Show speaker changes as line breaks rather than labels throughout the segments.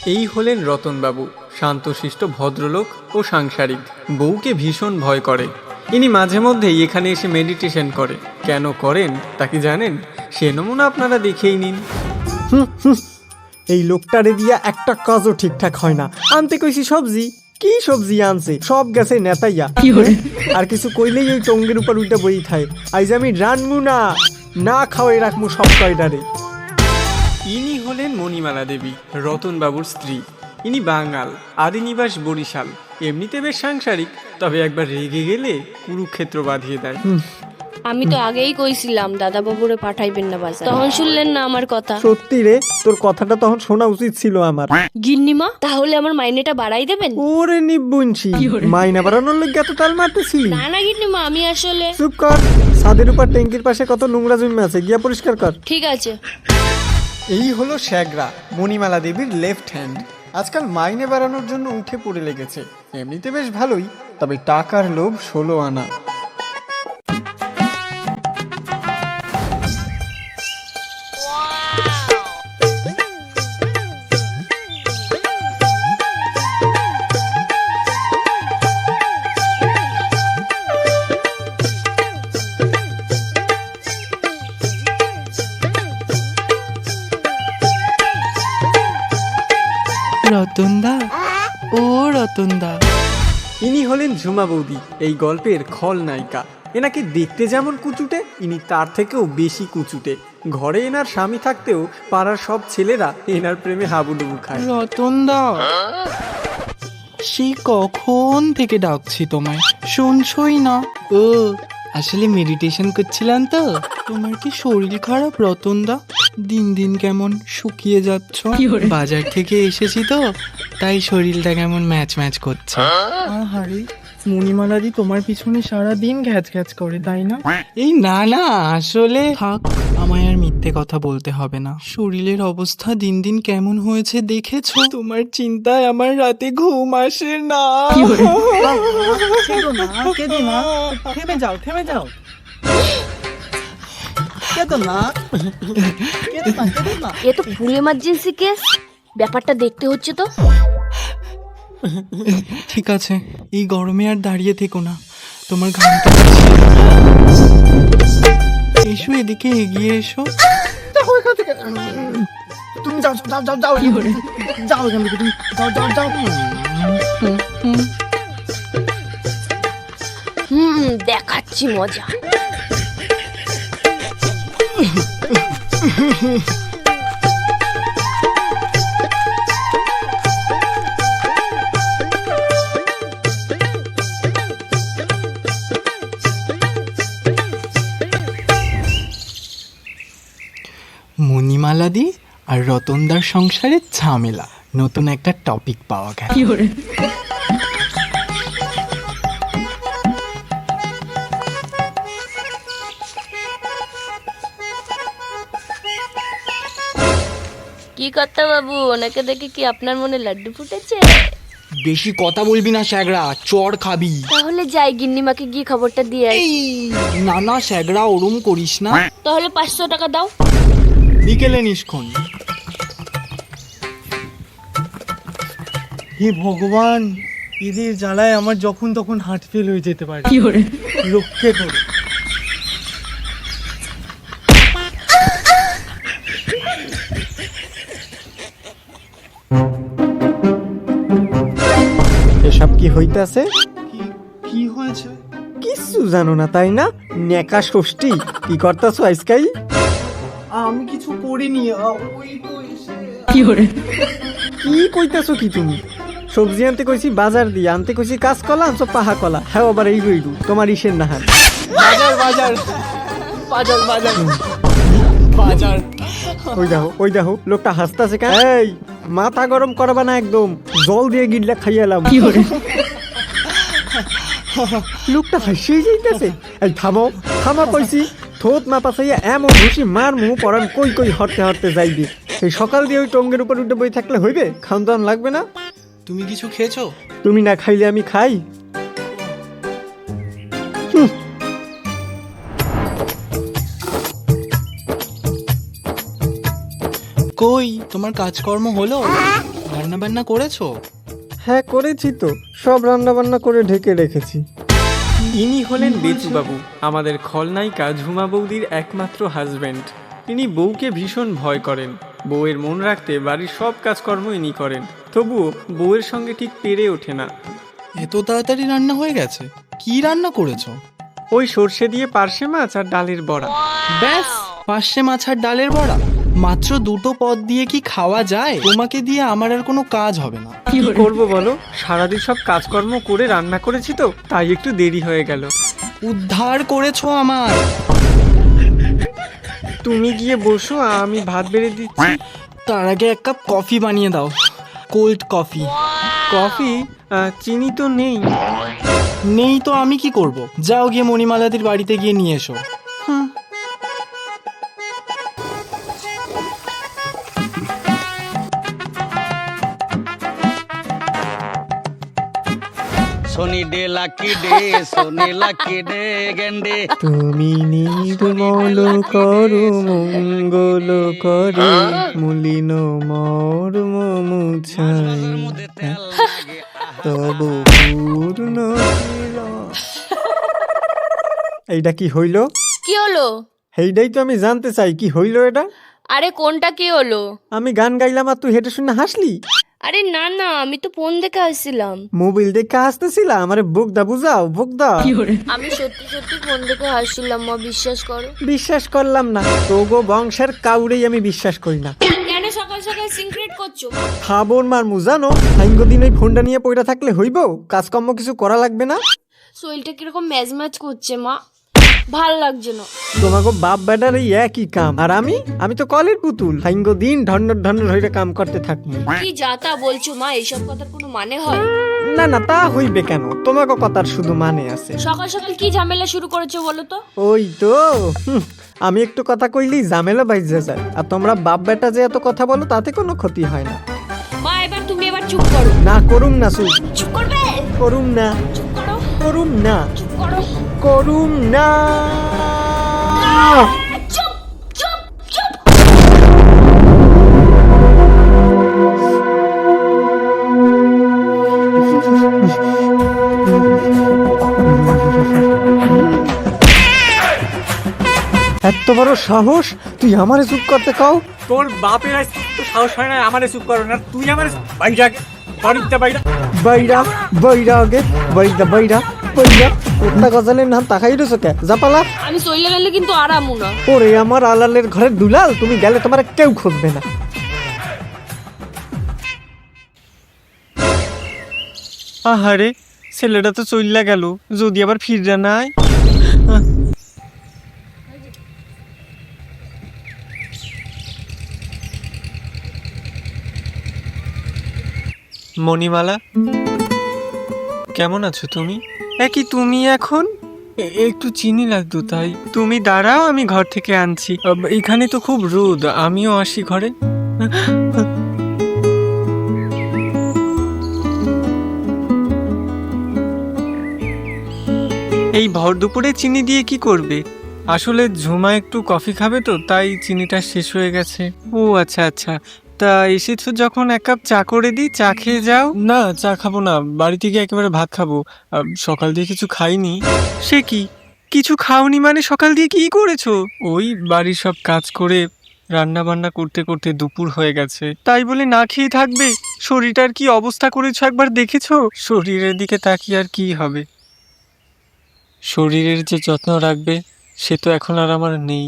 এই হলেন রতনবাবু, শান্তশিষ্ট ভদ্রলোক ও সাংসারিক। বউকে ভীষণ ভয় করে। ইনি মাঝে মধ্যেই এখানে এসে মেডিটেশন করে। কেন করেন তা কি জানেন? সে নমুনা আপনারা দেখেই নিন।
এই লোকটারে দিয়া একটা কাজও ঠিকঠাক হয় না। আনতে কইছি সবজি, কি সবজি আনছে? সব গেছে নেতাইয়া। আর কিছু কইলেই ওই টঙ্গের উপর উল্টা বই খায়। আইজ আমি রানমু না খাওয়াই রাখমু সব কয়টারে।
ইনি হলেন মণিমালা দেবী, রতনবাবুর স্ত্রী। ইনি বাঙাল, আদিনিবাস বরিশাল। এমনিতে বেশ সাংসারিক, তবে একবার রেগে গেলে কুরুক্ষেত্র বাঁধিয়ে দেয়।
আমি তো আগেই কইছিলাম দাদা বাবুরে পাঠাইবেন না বাজার, তখন শুনলেন না আমার কথা।
সত্যি রে, তোর কথাটা তখন শোনা উচিত ছিল আমার।
গিন্নিমা, তাহলে আমার মাইনেটা বাড়াই দেবেন?
ওরে নিবুনছি, মাইনা বাড়ানোর লোক এত তাল মারতেছিলি?
না না গিন্নিমা, আমি আসলে।
চুপ কর। ছাদের উপর ট্যাঙ্কির পাশে কত নোংরা জমে আছে, গিয়া পরিষ্কার কর।
ঠিক আছে।
এই হলো শ্যাগরা, মণিমালা দেবীর লেফট হ্যান্ড। আজকাল মাইনে বাড়ানোর জন্য উঠে পড়ে লেগেছে। এমনিতে বেশ ভালোই, তবে টাকার লোভ 16 আনা।
রতনদা, ও রতনদা।
ইনি হলেন ঝুমা বৌদি, এই গল্পের খলনায়িকা। এনাকে দেখতে যেমন কুচুটে, ইনি তার থেকেও বেশি কুচুটে। ঘরে এনার স্বামী থাকতেও পাড়ার সব ছেলেরা এনার প্রেমে হাবুডুবু খায়।
রতনদা, সেই কখন থেকে ডাকছি তোমায়, শুনছই না। ও আসলে মেডিটেশন করছিলাম তো। তোমার কি শরীর খারাপ রতনদা? দিন দিন কেমন শুকিয়ে যাচ্ছ। বাজার থেকে এসেছি তো, তাই শরীরটা কেমন ম্যাচ ম্যাচ করছে। আরে মণিমালাদি তোমার পিছনে সারা দিন ঘ্যাচ ঘ্যাচ করে, তাই না? এই না না, আসলে থাক, আমায় আর মিথ্যে কথা বলতে হবে না। শরীরের অবস্থা দিন দিন কেমন হয়েছে দেখেছো? তোমার চিন্তায় আমার রাতে ঘুম আসে না। থেমে যাও, থেমে যাও।
এ তো ফুল এমার্জেন্সি কেস, ব্যাপারটা দেখতে হচ্ছে তো।
ঠিক আছে, এই গরমে আর দাঁড়িয়ে থেকো না, তোমার ঘামটা এসো, এদিকে এগিয়ে এসো।
তুমি যাও যাও যাও যাও যাও এখান থেকে, তুমি যাও যাও যাও।
দেখাচ্ছি মজা।
মণিমালাদি আর রতনদার সংসারের ঝামেলা, নতুন একটা টপিক পাওয়া গেল।
কি কর্তা বাবু, ওনাকে দেখে কি আপনার মনে লাড্ডু ফুটেছে?
বেশি কথা বলবি না শ্যাগরা, চড় খাবি।
তাহলে যাই গিন্নিমাকে গিয়ে খবরটা দিয়ে আসি।
না না শ্যাগরা, ওরম করিস না।
তাহলে 500 টাকা দাও।
বিকেলে নিষ্ক্ষণ।
হে ভগবান, এদের জ্বালায় আমার যখন তখন হার্ট ফেল হয়ে যেতে পারে। রক্ষে করো। এসব কি হইতাছে?
কি হয়েছে?
কিছু জানো না তাই না? নেকা ষষ্ঠী কি করতেছো আজকাই?
আমি কিছু করিনি, ওই তো এসে।
কি কইতাছো কি তুমি? সবজি আনতে কইছি বাজার দিয়ে, আনতে কইছি কাঁচকলা, আনছো পাহা কলা। হ্যাঁ আবার এই রইলু তোমার ইসের নাহার।
বাজার বাজার বাজার বাজার বাজার।
ওই দেখো লোকটা হাসতাছে কেন? এই মাথা গরম করবা না একদম, জল দিয়ে গিল্লা খাইয়ালাম। লোকটা হাসিয়ে যাইতেছে। এই থামো থামো কইছি। থোত মা পাশাইয়া এমন ঘুষি মার মুহ পরান কই কই হরতে হরতে যাইবে। এই সকাল দিয়ে ওই টঙ্গের উপর উঠে বই থাকলে হইবে? খাওন দাওয়ান লাগবে না?
তুমি কিছু খেয়েছো?
তুমি না খাইলে আমি খাই?
কই তোমার কাজকর্ম হলো? রান্না বান্না করেছো?
হ্যাঁ করেছি তো, সব রান্না বান্না করে ঢেকে রেখেছি।
ইনি হলেন বেচুবাবু, আমাদের খলনায়িকা ঝুমা বৌদির একমাত্র হাজব্যান্ড। ইনি বউকে ভীষণ ভয় করেন। বউয়ের মন রাখতে বাড়ির সব কাজকর্ম ইনি করেন, তবুও বউয়ের সঙ্গে ঠিক পেরে ওঠে না।
এত তাড়াতাড়ি রান্না হয়ে গেছে? কি রান্না করেছো?
ওই সর্ষে দিয়ে পার্শে মাছ আর ডালের বড়া।
ব্যাস, পার্শে মাছ আর ডালের বড়া? মাত্র দুটো পদ দিয়ে কি খাওয়া যায়? তোমাকে দিয়ে আমার আর কোনো কাজ হবে না।
কি করবো বলো, সারাদিন সব কাজকর্ম করে রান্না করেছি তো, তাই একটু দেরি হয়ে গেল।
উদ্ধার করেছো আমার।
তুমি গিয়ে বসো, আমি ভাত বেড়ে দিচ্ছি।
তার আগে এক কাপ কফি বানিয়ে দাও, কোল্ড কফি।
কফি? চিনি তো নেই।
নেই তো আমি কি করব? যাও গিয়ে মণিমালাদির বাড়িতে গিয়ে নিয়ে এসো।
Sunny day lucky day, sunny lucky day গেন্ডে।
তুমি নির্মল করো মঙ্গল করে, মলিন মর্ম মুছাই তব পূর্ণ এইটা কি হইল?
কি হলো?
এইটাই তো আমি জানতে চাই, কি হইল এটা?
আরে কোনটা কি হলো?
আমি গান গাইলাম আর তুই হেঁটে শুনে হাসলি?
আরে না না, আমি তো ফোন দেখে আসছিলাম।
মোবাইল দেখে হাসতেছিলাম? আরে বোকদা বুঝাও, বোকদা।
আমি সত্যি সত্যি ফোন দেখে হাসছিলাম মা, বিশ্বাস করো।
বিশ্বাস করলাম না, তোগো বংশের কাউরেই আমি বিশ্বাস করি না।
কেন সকাল সকাল সিক্রেট করছো?
খাবর মারমু জানো, সাইঙ্গো দিন ওই ফোনটা নিয়ে পড়ে থাকলে হইব? কাজকর্ম কিছু করা লাগবে না?
শরীরটা কিরকম ম্যাজ ম্যাজ করছে মা, ভাল লাগছে না।
তোমাকে বাপ বেটার এই একই কাম, আর আমি তো কলের পুতুল, সাইঙ্গো দিন ঢন্ডর ঢন্ডর হইরে কাম করতে থাকবো।
কি যাতা বলছো মা, এইসব কথার কোনো মানে হয়?
না না, তা হইবে কেন? তোমাকে কথার শুধু মানে আছে।
সকাল সকাল কি ঝামেলা শুরু করেছো বলো তো?
ওই তো আমি একটু কথা কইলেই ঝামেলা বাইজে যায়, আর তোমরা বাপ বেটা যে এত কথা বলো তাতে কোনো ক্ষতি হয় না।
মা এবার তুমি এবার চুপ করো।
না করুম না, চুপ
চুপ করবে?
করুম না,
চুপ করো।
করুম না,
চুপ করো।
করুম না।
চুপ চুপ চুপ।
এত বড় সাহস, তুই আমারে চুপ করতে কাও?
তোর বাপের আজ তো সাহস হয় না আমারে চুপ করো না, তুই আমার বাইরা বাড়িতে বাইরা।
বাইরা বাইরা আগে, বাইরা বাইরা বাইরা। উঠনা গজালের নাম তাকাই রয়েছো কে? জাপালা।
আমি চলে গেলে কিন্তু আরামু না।
ওরে আমার আলালের ঘরের দুলাল, তুমি গেলে তোমার কেউ খুঁজবে না।
আহারে, ছেলেটা তো চইল্লা গেল, যদি আবার ফিররা নাই। মণিমালা, কেমন আছো তুমি? একই তুমি এখন? একটু চিনি লাগতো তাই। তুমি দাঁড়াও, আমি ঘর থেকে আনছি। এখানে তো খুব রোদ, আমিও আসি ঘরে। এই ভর দুপুরে চিনি দিয়ে কি করবে? আসলে ঝুমা একটু কফি খাবে তো, তাই চিনিটা শেষ হয়ে গেছে। ও আচ্ছা আচ্ছা, তা এসেছো যখন এক কাপ চা করে দিই, চা খেয়ে যাও। না, চা খাবো না, বাড়ি থেকে একেবারে ভাত খাবো। সকাল দিয়ে কিছু খাইনি। সে কি, কিছু খাওনি মানে সকাল দিয়ে কি করেছো? ওই বাড়ির সব কাজ করে রান্না বান্না করতে করতে দুপুর হয়ে গেছে, তাই বলে না খেয়ে থাকবে? শরীরটার কি অবস্থা করেছো একবার দেখেছো? শরীরের দিকে তাকিয়ে আর কি হবে? শরীরের যে যত্ন রাখবে সে তো এখন আর আমার নেই।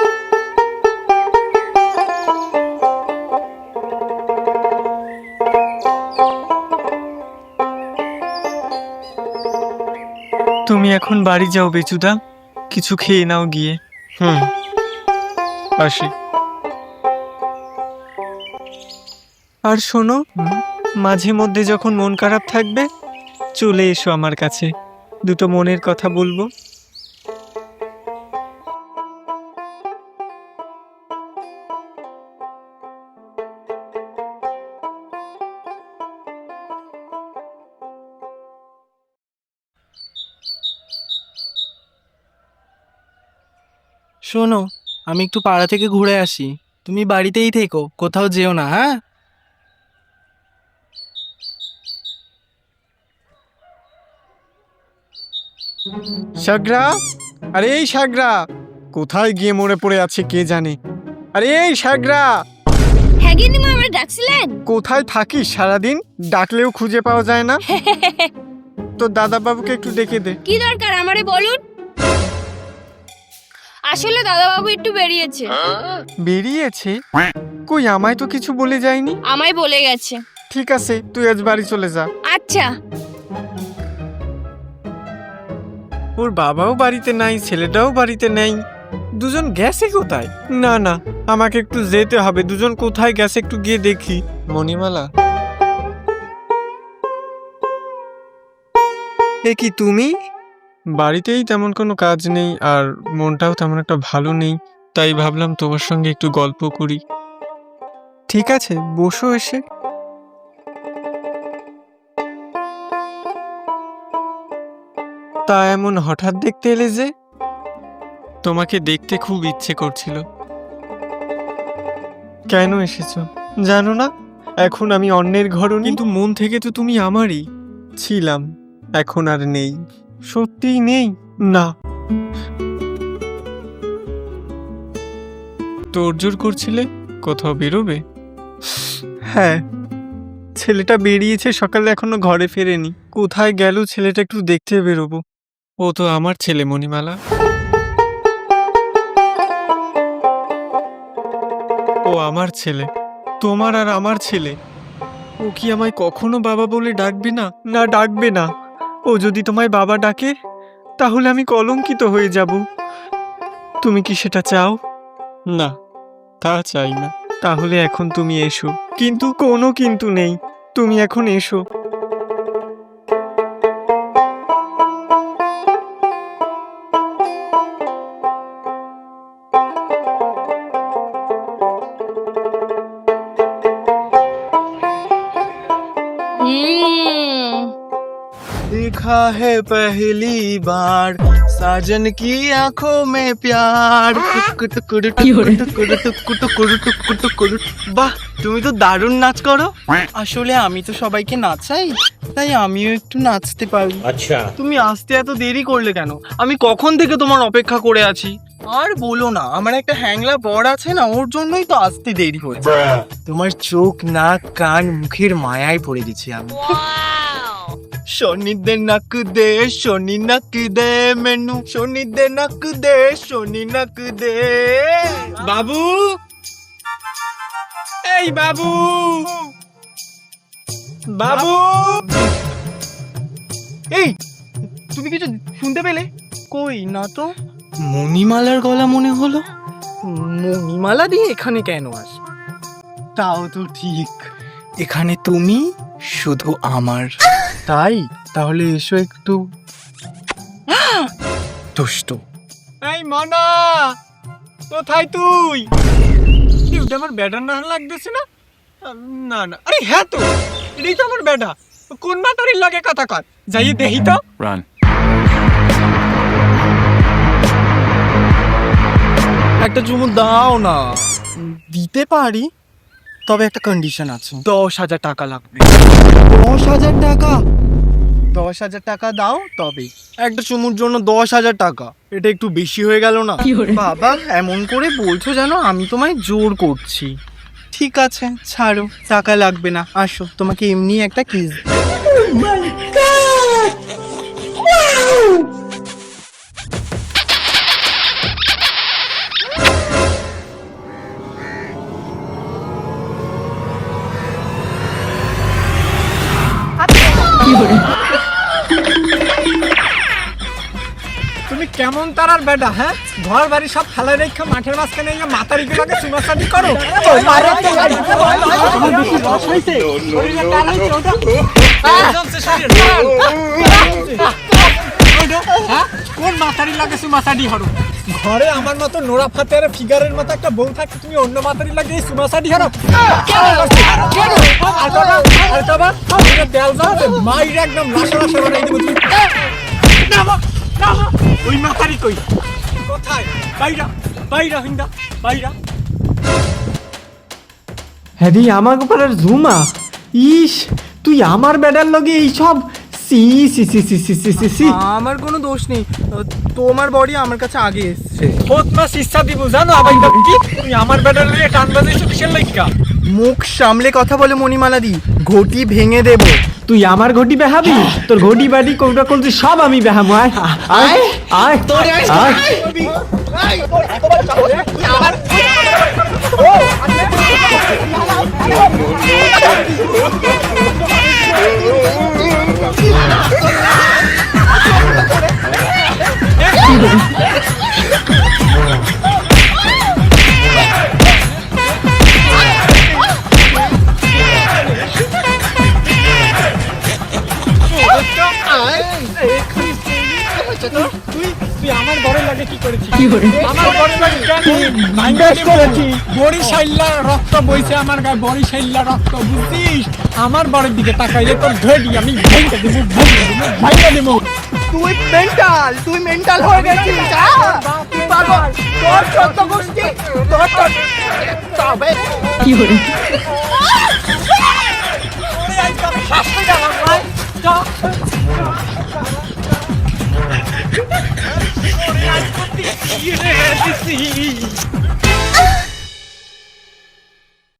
তুমি এখন বাড়ি যাও বেচুদা, কিছু খেয়ে নাও গিয়ে। আসি। আর শোনো, মাঝে মধ্যে যখন মন খারাপ থাকবে চলে এসো আমার কাছে, দুটো মনের কথা বলবো।
শোনো, আমি একটু পাড়া থেকে ঘুরে আসি, তুমি বাড়িতেই থেকো, কোথাও যেও না, হ্যাঁ?
সাগরা, আরে এই সাগরা, কোথায় গিয়ে মরে পড়ে আছে কে জানে। আরে এই সাগরা,
হ্যাঁ গিন্নিমা, আমরা ডাকছিলেন?
কোথায় থাকিস সারাদিন? ডাকলেও খুঁজে পাওয়া যায় না। তো দাদা বাবুকে একটু ডেকে দে।
কি দরকার আমারে বলুন। আসলে দাদাবাবু একটু বেরিয়েছে।
বেরিয়েছে? কই, আমায় তো কিছু বলে যায়নি।
আমায় বলে গেছে।
ঠিক আছে, তুই আজ বাড়ি চলে যা।
আচ্ছা।
ওর বাবাও বাড়িতে নাই, ছেলেটাও বাড়িতে নেই। দুজন গেছে কোথায়? না না, আমাকে একটু যেতে হবে। দুজন কোথায় গেছে একটু গিয়ে দেখি। মণিমালা, এ কি তুমি? বাড়িতেই তেমন কোনো কাজ নেই, আর মনটাও তেমন একটা ভালো নেই, তাই ভাবলাম তোমার সঙ্গে একটু গল্প করি। ঠিক আছে, বসো এসে। তা এমন হঠাৎ দেখতে এলে যে? তোমাকে দেখতে খুব ইচ্ছে করছিল। কেন এসেছো জানো না? এখন আমি অন্যের ঘরও, কিন্তু মন থেকে তো তুমি আমারই ছিলাম। এখন আর নেই। সত্যিই নেই। না, তোড়জোড় করছিলে কোথাও বেরোবে? হ্যাঁ, ছেলেটা বেরিয়েছে সকালে, এখনো ঘরে ফেরেনি। কোথায় গেল ছেলেটা, একটু দেখতে বেরোবো। ও তো আমার ছেলে মণিমালা। ও আমার ছেলে, তোমার আর আমার ছেলে। ও কি আমায় কখনো বাবা বলে ডাকবে না? না, ডাকবে না। ও যদি তোমায় বাবা ডাকে তাহলে আমি কলঙ্কিত হয়ে যাব। তুমি কি সেটা চাও? না, তা চাই না। তাহলে এখন তুমি এসো। কিন্তু কোনো কিন্তু নেই, তুমি এখন এসো।
देखा है पहली बार साजन की आंखों में प्यार। বাহ, তুমি তো দারুণ নাচ করো। আসলে আমি তো সবাইকে নাচাই, তাই আমিও একটু নাচতে পারি। আচ্ছা, তুমি আসতে এত দেরি করলে কেন? আমি কখন থেকে তোমার অপেক্ষা করে আছি। আর বলো না, আমার একটা হ্যাংলা বর আছে না, ওর জন্যই তো আসতে দেরি হচ্ছে। তোমার চোখ, নাক, কান, মুখের মায়ায় পড়ে গেছি আমি। সোনি দে নাক দে, সোনি নাক দে মেনু, সোনি দে নাক দে, সোনি নাক দে। বাবু, এই বাবু, বাবু, এই তুমি কিছু শুনতে পেলে? কই না তো। মণিমালার গলা মনে হলো। মণিমালা দিয়ে এখানে কেন আসবে? তাও তো ঠিক, এখানে তুমি শুধু আমার। তাই? তাহলে এসো একটু। দুষ্ট।
এই মনা, কোথায় তুই? কি ওটা আমার ব্যাটার না লাগতেছে না? না না, আরে হ্যাঁ তো, এটাই তো আমার ব্যাটা। কোন মাতারির লাগে কথা কর, যাই দেখি তো।
একটা চুমু দাও না। দিতে পারি, তবে একটা কন্ডিশন আছে। 10,000 টাকা লাগবে। 10,000 টাকা? 10,000 টাকা দাও তবে। একটা চুমুর জন্য 10,000 টাকা, এটা একটু বেশি হয়ে গেল না? বাবা, এমন করে বলছো যেন আমি তোমায় জোর করছি। ঠিক আছে, ছাড়ো, টাকা লাগবে না। আসো, তোমাকে এমনি একটা কিস।
তুমি কেমন তারার বেটা? হ্যাঁ, ঘর বাড়ি সব ফেলে রেখে মাঠের মাঝখানে মাতারি গুলোকে চুমাচাটি করো। কোন মাতারি লাগে চুমাচাটি হরো? ঘরে আমার মতো নোরা ফাতের ফিগারের মতো একটা বউ থাকে, তুমি অন্য মাতারি লাগে চুমাচাটি হরো? মাইর একদম লাশা লাশা বানাই দেবো। ওই মাতারি কই? কোথায়? বাইরা, বাইরা হিন্দা, বাইরা।
হ্যাঁ রে, আমার পাড়ার ঝুমা। ইস, তুই আমার বেডার লগে এইসব
সি সি সি সি সি সি সি সি
আমার কোনো দোষ নেই, তোমার বডি আমার কাছে আগে এসছে।
খোদ মাস ইচ্ছা দিব জানো আবার কি তুই আমার ব্যাটার নিয়ে টান বাজাইছো কিসের লাইকা?
মুখ সামলে কথা বলে মণিমালা দি, ঘটি ভেঙে দেবো।
তুই আমার ঘটি বেহাবি? তোর ঘটি বাড়ি কৌটা কলছি সব আমি বেহামু। আয় আয় আয় আয়।
তুই আমার বড়ের লাগে কি করেছিস? আমার বড়ের লাগে বরিশাইল্লা রক্ত বইছে আমার গায়ে, বরিশাইল্লা রক্ত, বুঝছিস? আমার বড়ের দিকে তাকাইলে তোর ধরি আমি ভেঙে দেবো, ভাইয়া দেবো।
তুই মেন্টাল হয়ে গেছিস। পাগল, তোর চোদ্দ গোষ্ঠী, তোর তবে
কি করে শাস্তি দিলাম ভাই। ওরে আজ করতে কি রে দিছি